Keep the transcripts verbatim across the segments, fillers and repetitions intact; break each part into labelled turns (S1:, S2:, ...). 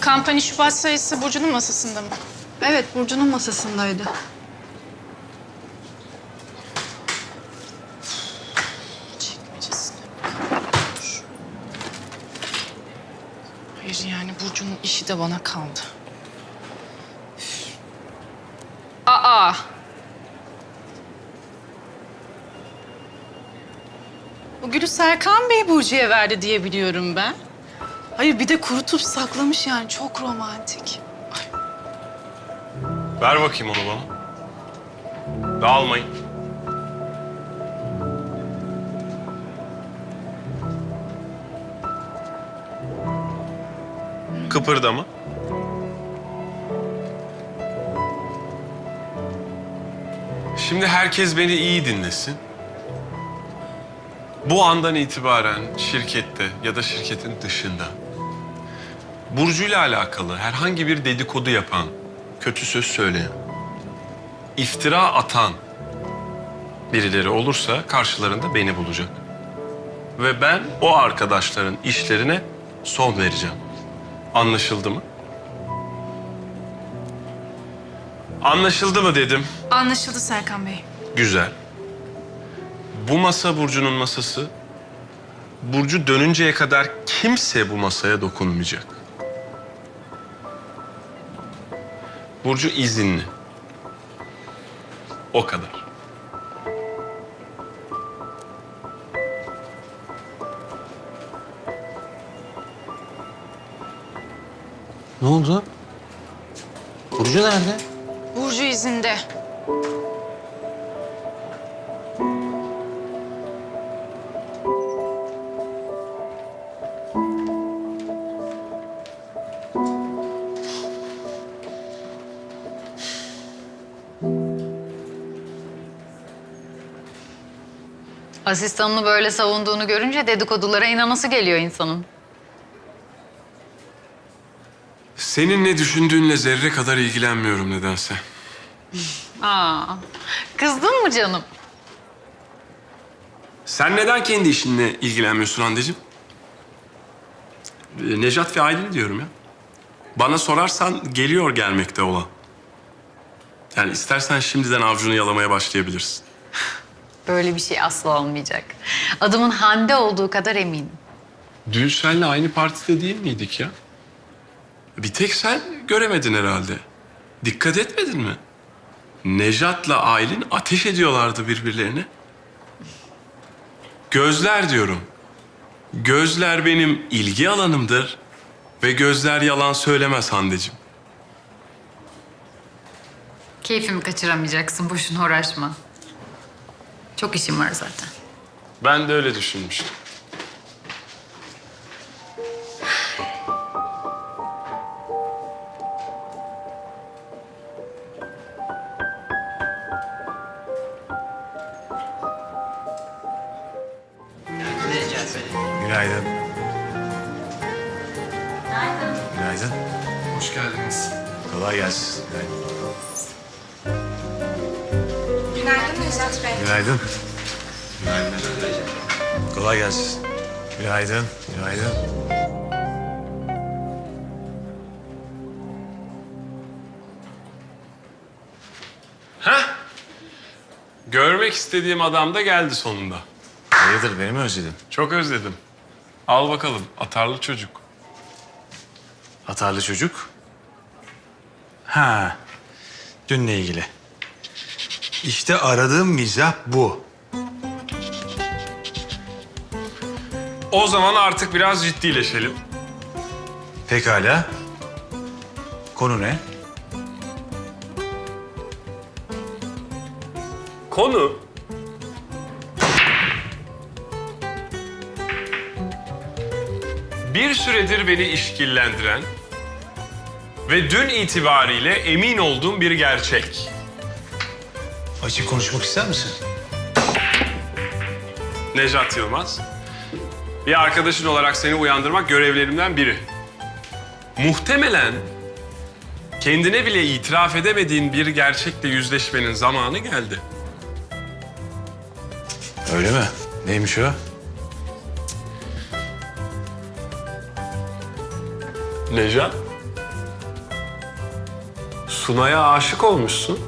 S1: Kampanya Şubat sayısı Burcu'nun masasında mı?
S2: Evet, Burcu'nun masasındaydı.
S1: Çekmecesine. Hayır yani Burcu'nun işi de bana kaldı. Aa! Bu gülü Serkan Bey Burcu'ya verdi diye biliyorum ben. Hayır bir de kurutup saklamış yani çok romantik.
S3: Ver bakayım onu bana. Dağılmayın. Kıpırdama. Şimdi herkes beni iyi dinlesin. Bu andan itibaren şirkette ya da şirketin dışında Burcu'yla alakalı herhangi bir dedikodu yapan, kötü söz söyleyen, iftira atan birileri olursa karşılarında beni bulacak. Ve ben o arkadaşların işlerine son vereceğim. Anlaşıldı mı? Anlaşıldı mı dedim.
S1: Anlaşıldı Serkan Bey.
S3: Güzel. Bu masa Burcu'nun masası. Burcu dönünceye kadar kimse bu masaya dokunmayacak. Burcu izinli. O kadar.
S4: Ne oldu? Burcu nerede?
S1: Burcu izinde.
S5: Asistanını böyle savunduğunu görünce dedikodulara inanası geliyor insanın.
S3: Senin ne düşündüğünle zerre kadar ilgilenmiyorum nedense.
S5: Aa, kızdın mı canım?
S3: Sen neden kendi işinle ilgilenmiyorsun Hande'cim? Ee, Nejat ve Aylin diyorum ya. Bana sorarsan geliyor gelmekte olan. Yani istersen şimdiden avcunu yalamaya başlayabilirsin.
S5: Böyle bir şey asla olmayacak. Adımın Hande olduğu kadar eminim.
S3: Dün seninle aynı partide değil miydik ya? Bir tek sen göremedin herhalde. Dikkat etmedin mi? Nejat'la Aylin ateş ediyorlardı birbirlerine. Gözler diyorum. Gözler benim ilgi alanımdır ve gözler yalan söylemez Hande'cim.
S5: Keyfimi kaçıramayacaksın, boşuna uğraşma. Çok işim var zaten.
S3: Ben de öyle düşünmüştüm.
S4: Günaydın. Günaydın.
S3: Hoş geldiniz.
S4: Kolay gelsin. Günaydın.
S6: Günaydın Nejat Bey.
S4: Günaydın. Kolay gelsin. Günaydın. Günaydın.
S3: Heh. Görmek istediğim adam da geldi sonunda.
S4: Hayırdır, beni mi özledin?
S3: Çok özledim. Al bakalım, atarlı çocuk.
S4: Atarlı çocuk. Ha, dünle ilgili. İşte aradığım mizah bu.
S3: O zaman artık biraz ciddileşelim.
S4: Pekala. Konu ne?
S3: Konu... Bir süredir beni işkillendiren ve dün itibariyle emin olduğum bir gerçek.
S4: Açık konuşmak ister misin?
S3: Nejat Yılmaz, bir arkadaşın olarak seni uyandırmak görevlerimden biri. Muhtemelen kendine bile itiraf edemediğin bir gerçekle yüzleşmenin zamanı geldi.
S4: Öyle mi? Neymiş o?
S3: Nejat, Sunay'a aşık olmuşsun.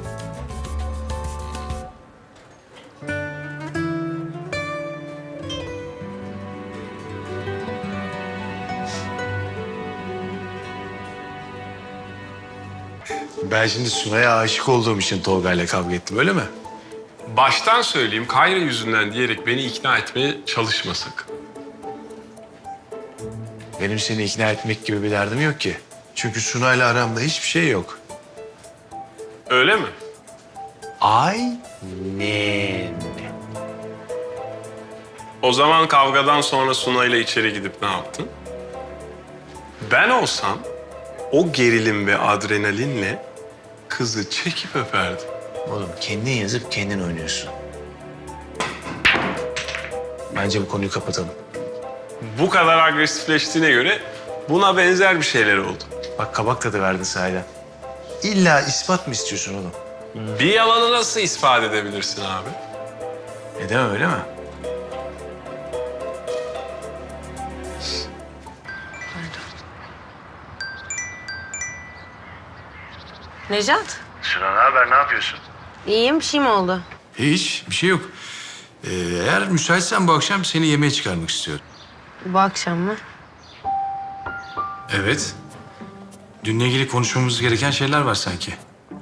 S4: Ben şimdi Sunay'a aşık olduğum için Tolga'yla kavga ettim, öyle mi?
S3: Baştan söyleyeyim, Kayra yüzünden diyerek beni ikna etmeye çalışma sakın.
S4: Benim seni ikna etmek gibi bir derdim yok ki. Çünkü Sunay'la aramda hiçbir şey yok.
S3: Öyle mi?
S4: Aynen.
S3: O zaman kavgadan sonra Sunay'la içeri gidip ne yaptın? Ben olsam o gerilim ve adrenalinle kızı çekip öperdim.
S4: Oğlum kendin yazıp kendin oynuyorsun. Bence bu konuyu kapatalım.
S3: Bu kadar agresifleştiğine göre buna benzer bir şeyler oldu.
S4: Bak kabak tadı verdin sahiden. İlla ispat mı istiyorsun oğlum?
S3: Bir yalanı nasıl ispat edebilirsin abi?
S4: Edemem, öyle mi?
S7: Necat,
S4: Suna, ne haber, ne yapıyorsun?
S7: iyiyim, bir şey mi oldu?
S4: Hiç, bir şey yok. Ee, eğer müsaitsen bu akşam seni yemeğe çıkarmak istiyorum.
S7: Bu akşam mı?
S4: Evet. Dünle ilgili konuşmamız gereken şeyler var sanki.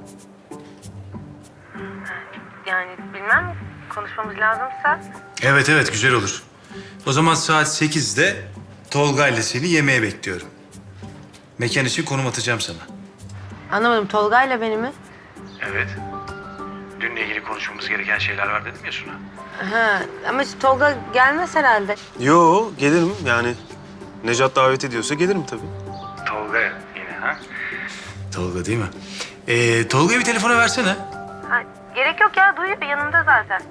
S7: Yani bilmem, konuşmamız lazımsa.
S4: Evet evet, güzel olur. O zaman saat sekizde Tolga ile seni yemeğe bekliyorum. Mekan için konum atacağım sana.
S7: Anlamadım, Tolga'yla beni mi?
S4: Evet. Dünle ilgili konuşmamız gereken şeyler var dedim ya Suna.
S7: Ha, ama Tolga gelmez herhalde.
S8: Yo, gelirim yani. Necat davet ediyorsa gelirim tabii.
S4: Tolga yine ha? Tolga değil mi? Ee, Tolga'ya bir telefona versene.
S7: Ha, gerek yok ya, duyuyor, yanımda zaten.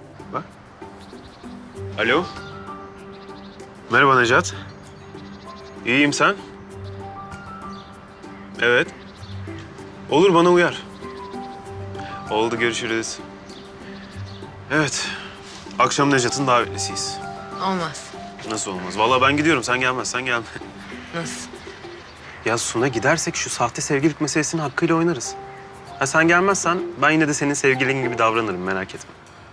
S8: Alo. Merhaba Necat. İyiyim, sen? Evet. Olur, bana uyar. Oldu, görüşürüz. Evet. Akşam Necat'ın davetlisiyiz.
S7: Olmaz.
S8: Nasıl olmaz? Vallahi ben gidiyorum. Sen gelmezsen gelme.
S7: Nasıl?
S8: Ya Suna, gidersek şu sahte sevgililik meselesini hakkıyla oynarız. Ha sen gelmezsen ben yine de senin sevgilin gibi davranırım, merak etme.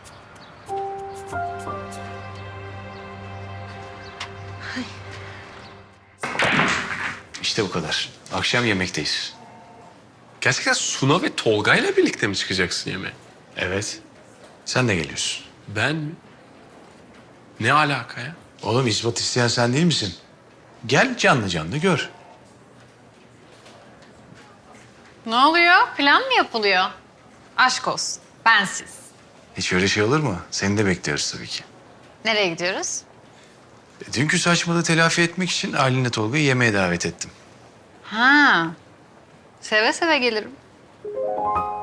S4: İşte bu kadar. Akşam yemekteyiz.
S3: Gerçekten Suna ve Tolga'yla birlikte mi çıkacaksın yemeğe?
S4: Evet. Sen de geliyorsun.
S3: Ben mi? Ne alaka ya?
S4: Oğlum ispat isteyen sen değil misin? Gel canlı canlı gör.
S5: Ne oluyor? Plan mı yapılıyor? Aşk olsun. Bensiz.
S4: Hiç öyle şey olur mu? Seni de bekliyoruz tabii ki.
S5: Nereye gidiyoruz?
S4: E, dünkü saçmalığı telafi etmek için Aylin'le Tolga'yı yemeğe davet ettim.
S5: Ha. Seve seve gelirim.